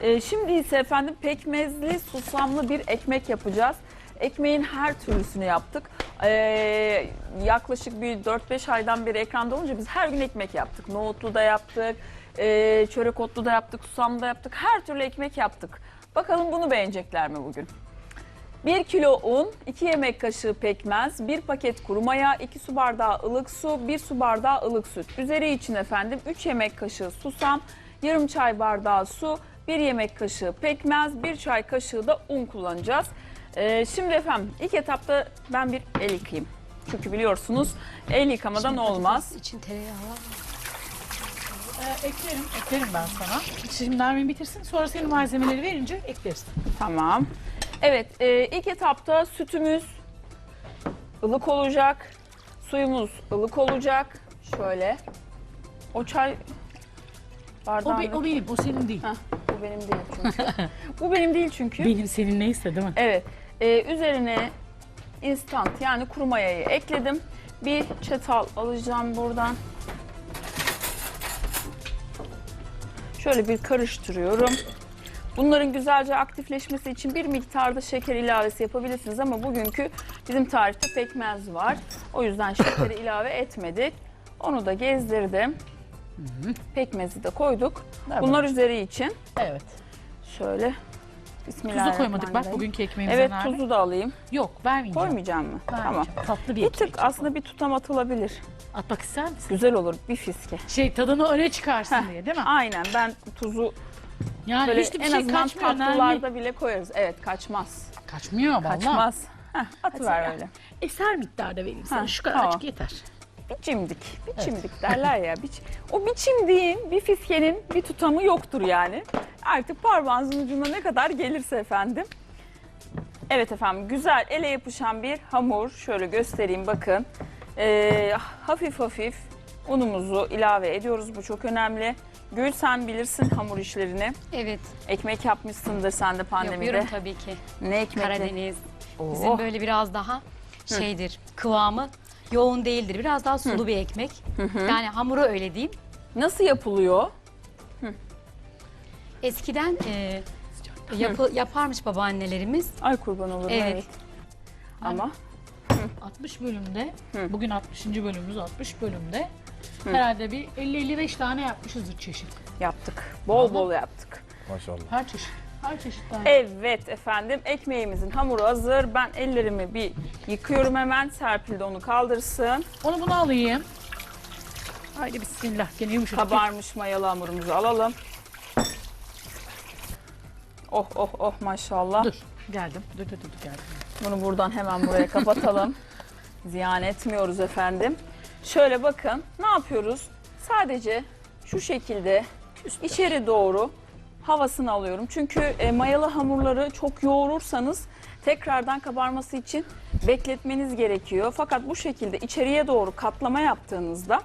Şimdi ise efendim pekmezli susamlı bir ekmek yapacağız. Ekmeğin her türlüsünü yaptık. Yaklaşık bir 4-5 aydan beri ekranda olunca biz her gün ekmek yaptık. Nohutlu da yaptık, çörek otlu da yaptık, susamlı da yaptık. Her türlü ekmek yaptık. Bakalım bunu beğenecekler mi bugün? 1 kilo un, 2 yemek kaşığı pekmez, 1 paket kuru maya, 2 su bardağı ılık su, 1 su bardağı ılık süt. Üzeri için efendim 3 yemek kaşığı susam, yarım çay bardağı su, 1 yemek kaşığı pekmez, 1 çay kaşığı da un kullanacağız. Şimdi efendim ilk etapta ben bir el yıkayayım. Çünkü biliyorsunuz el yıkamadan olmaz. İçin tereyağı var. Eklerim ben sana. Şimdi Nermin bitirsin, sonra senin malzemeleri verince ekleriz. Tamam. Evet, ilk etapta sütümüz ılık olacak, suyumuz ılık olacak. Şöyle. O çay bardağında... O benim, o senin değil. Heh, bu benim değil çünkü. Bu benim değil çünkü. Benim senin neyse değil mi? Evet. Üzerine instant yani kuru mayayı ekledim. Bir çatal alacağım buradan. Şöyle bir karıştırıyorum. Bunların güzelce aktifleşmesi için bir miktarda şeker ilavesi yapabilirsiniz ama bugünkü bizim tarifte pekmez var. O yüzden şekeri ilave etmedik. Onu da gezdirdim. Pekmezi de koyduk. Bunlar üzeri için. Evet. Şöyle. Bismillahirrahmanirrahim. Tuzu koymadık bak bugünkü ekmeğimize. Evet, Nermin. tuzu da alayım. Yok, vermeyeceğim. Koymayacağım mı? Tamam. Vermeyeceğim. Tatlı bir Bir ekmek. tık aslında bir tutam atılabilir. Atmak ister misin? Güzel olur bir fiske. Tadını öne çıkarsın Heh, diye değil mi? Aynen, ben tuzu Yani böyle hiçbir en şey azından kaçmıyor Nermin. tatlılarda bile koyarız. Evet, kaçmaz. Kaçmıyor vallahi. Kaçmaz. Atıver öyle. Eser miktarda vereyim sana. Ha, Şu kadarcık tamam. yeter. Biçimdik derler ya. O biçimdiğin bir fiskenin bir tutamı yoktur yani. Artık parmağınızın ucuna ne kadar gelirse efendim. Evet efendim, güzel ele yapışan bir hamur. Şöyle göstereyim bakın. Hafif hafif unumuzu ilave ediyoruz. Bu çok önemli. Gül, sen bilirsin hamur işlerini. Evet. Ekmek yapmışsındır sen de pandemide. Yapıyorum tabii ki. Ne ekmekle? Karadeniz. Oo. Bizim böyle biraz daha şeydir. Kıvamı yoğun değildir. Biraz daha sulu bir ekmek. Yani hamuru öyle diyeyim. Nasıl yapılıyor? Eskiden yaparmış babaannelerimiz. Ay kurban olurum. Evet. Ama 60 bölümde, bugün 60. bölümümüz 60 bölümde herhalde bir 50-55 tane yapmışızdır çeşit. yaptık. Bol bol yaptık. Maşallah. Her çeşit. Her çeşit tane. Evet efendim, ekmeğimizin hamuru hazır. Ben ellerimi bir yıkıyorum hemen. Serpil de onu kaldırsın. Onu bunu alayım. Haydi bismillah. Gene yumuşak. Kabarmış mayalı hamurumuzu alalım. Oh oh oh maşallah. Dur. Geldim. Dur geldim. Bunu buradan hemen buraya kapatalım. Ziyan etmiyoruz efendim. Şöyle bakın, ne yapıyoruz? Sadece şu şekilde içeri doğru havasını alıyorum. Çünkü mayalı hamurları çok yoğurursanız tekrardan kabarması için bekletmeniz gerekiyor. Fakat bu şekilde içeriye doğru katlama yaptığınızda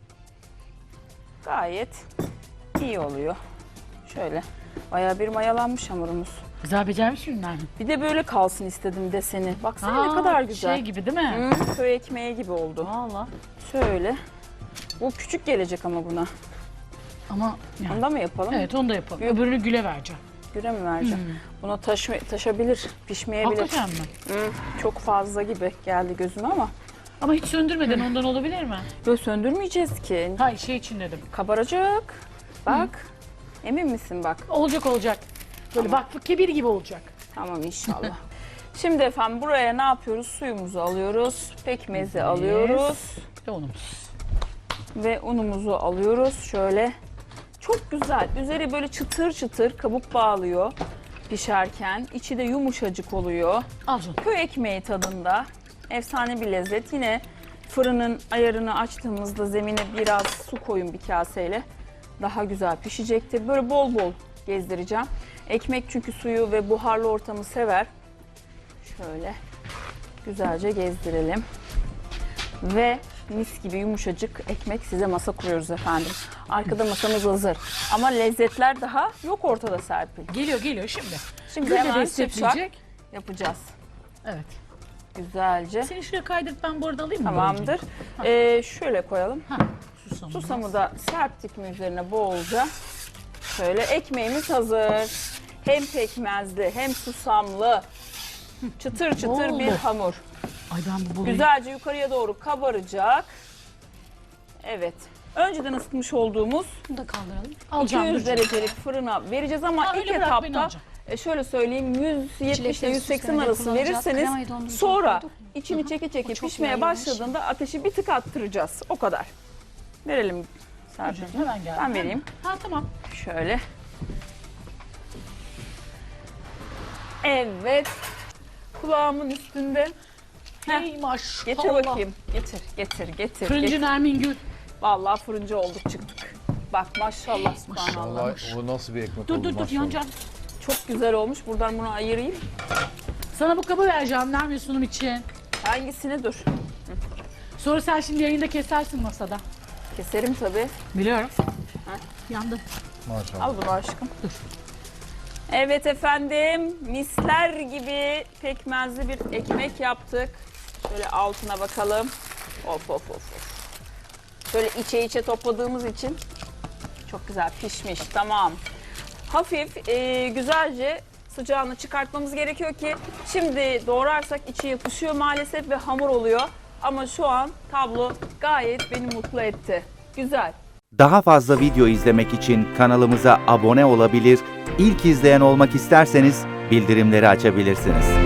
gayet iyi oluyor. Şöyle bayağı bir mayalanmış hamurumuz. Güzel becermiş ürünler. Bir de böyle kalsın istedim deseni. Baksana ne kadar güzel. Şey gibi değil mi? Köy ekmeği gibi oldu. Valla. Şöyle. Bu küçük gelecek ama buna. Ama yani. Onda mı yapalım? Evet onu da yapalım. Yok. Öbürünü Gül'e vereceğim. Güre mi vereceğim? Buna taşabilir, pişmeyebilir. Hakikaten mi? Çok fazla gibi geldi gözüme ama. Ama hiç söndürmeden ondan olabilir mi? Böyle söndürmeyeceğiz ki. Hayır şey için dedim. Kabaracak. Bak. Emin misin bak? Olacak. Böyle vakfı kebir gibi olacak. Tamam inşallah. Şimdi efendim buraya ne yapıyoruz? Suyumuzu alıyoruz. Pekmezi alıyoruz. Bir de unumuz. Ve unumuzu alıyoruz. Şöyle. Çok güzel. Üzeri böyle çıtır çıtır kabuk bağlıyor pişerken. İçi de yumuşacık oluyor. Al canım. Köy ekmeği tadında. Efsane bir lezzet. Yine fırının ayarını açtığımızda zemine biraz su koyun bir kaseyle. Daha güzel pişecektir. Böyle bol bol gezdireceğim. Ekmek çünkü suyu ve buharlı ortamı sever. Şöyle güzelce gezdirelim. Ve mis gibi yumuşacık ekmek size masa kuruyoruz efendim. Arkada masamız hazır. Ama lezzetler daha yok ortada Serpil. Geliyor şimdi. Şimdi Gül de hemen destekleyecek. şıpşak yapacağız. Evet. Güzelce. Seni şuraya kaydırıp ben bu arada alayım mı? Tamamdır. Şöyle koyalım. Susamı. Susamı da serptik mi üzerine bolca. Şöyle ekmeğimiz hazır. hem pekmezli hem susamlı çıtır çıtır Oldu. bir hamur. Ay ben bu burayı... Güzelce yukarıya doğru kabaracak. Evet. Önceden ısıtmış olduğumuz Bunu da kaldıralım. Alacağım, 200 dur. derecelik fırına vereceğiz ama Ha, ilk öyle bırak, ben etapta alacağım. şöyle söyleyeyim 170 ile Çilekleri 180 süslemede arası kullanacağız. verirseniz Kremayı dondurucuya sonra koyduk mu? içini çeki çeki çok pişmeye yayılmış. başladığında ateşi bir tık arttıracağız. O kadar. Verelim Serpil'cim. Hemen geldim. Ben vereyim. Ha tamam. Şöyle. Evet. Kulağımın üstünde. Heh. Ey maşallah. Getir bakayım. Getir. Fırıncı Nermin Gül. Vallahi fırıncı olduk çıktık. Bak maşallah subhanallah. Vallahi o nasıl bir ekmek Dur oldu dur maşallah. yanacağım. Çok güzel olmuş. Buradan bunu ayırayım. Sana bu kabı vereceğim Nermin sunum için. Hangisini dur. Sonra sen şimdi yayında kesersin masada. Keserim tabii. Biliyorum. Yandı. Maşallah. Al bunu aşkım. Evet efendim. Misler gibi pekmezli bir ekmek yaptık. Şöyle altına bakalım. Of. Şöyle içe topladığımız için çok güzel pişmiş. Tamam. Hafif güzelce sıcağını çıkartmamız gerekiyor ki şimdi doğrarsak içi yapışıyor maalesef ve hamur oluyor. Ama şu an tablo gayet beni mutlu etti. Güzel. Daha fazla video izlemek için kanalımıza abone olabilir, ilk izleyen olmak isterseniz bildirimleri açabilirsiniz.